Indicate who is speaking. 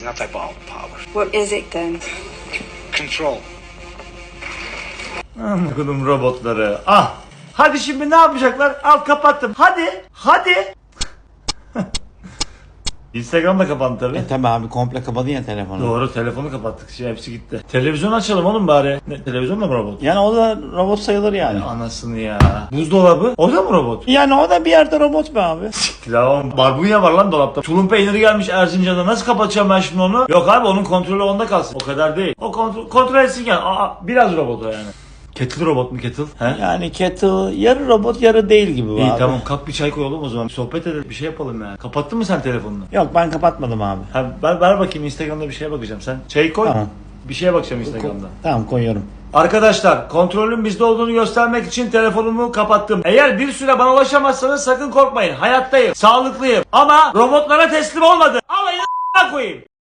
Speaker 1: Not type all power.
Speaker 2: What is it then?
Speaker 1: Control.
Speaker 3: Anladım robotları. Ah! Hadi şimdi ne yapacaklar? Al kapattım. Hadi. Instagram da kapandı tabii.
Speaker 4: Tabi abi komple kapadın ya telefonu.
Speaker 3: Doğru, telefonu kapattık. Hepsi gitti. Televizyon açalım oğlum bari. Ne, televizyon da mı robot?
Speaker 4: Yani o da robot sayılır yani.
Speaker 3: Anasını ya. Buzdolabı? O da mı robot?
Speaker 4: Yani o da bir yerde robot be abi.
Speaker 3: Tamam. Barbunya var lan dolapta. Tulum peyniri gelmiş Erzincan'da. Nasıl kapatacağım ben şimdi onu? Yok abi, onun kontrolü onda kalsın. O kadar değil. O kontrol etsin yani. Biraz robot o yani. Kettle robot mu kettle? He?
Speaker 4: Yani kettle yarı robot yarı değil gibi
Speaker 3: İyi
Speaker 4: abi.
Speaker 3: tamam, kalk bir çay koyalım o zaman. Sohbet edelim, bir şey yapalım yani. Kapattın mı sen telefonunu?
Speaker 4: Yok ben kapatmadım abi.
Speaker 3: Ha, ver bakayım, Instagram'da bir şeye bakacağım. Sen çayı koy.
Speaker 4: Tamam.
Speaker 3: Bir şeye bakacağım Instagram'da.
Speaker 4: Tamam koyuyorum.
Speaker 3: Arkadaşlar, kontrolün bizde olduğunu göstermek için telefonumu kapattım. Eğer bir süre bana ulaşamazsanız sakın korkmayın. Hayattayım, sağlıklıyım ama robotlara teslim olmadım. Alayına koyayım.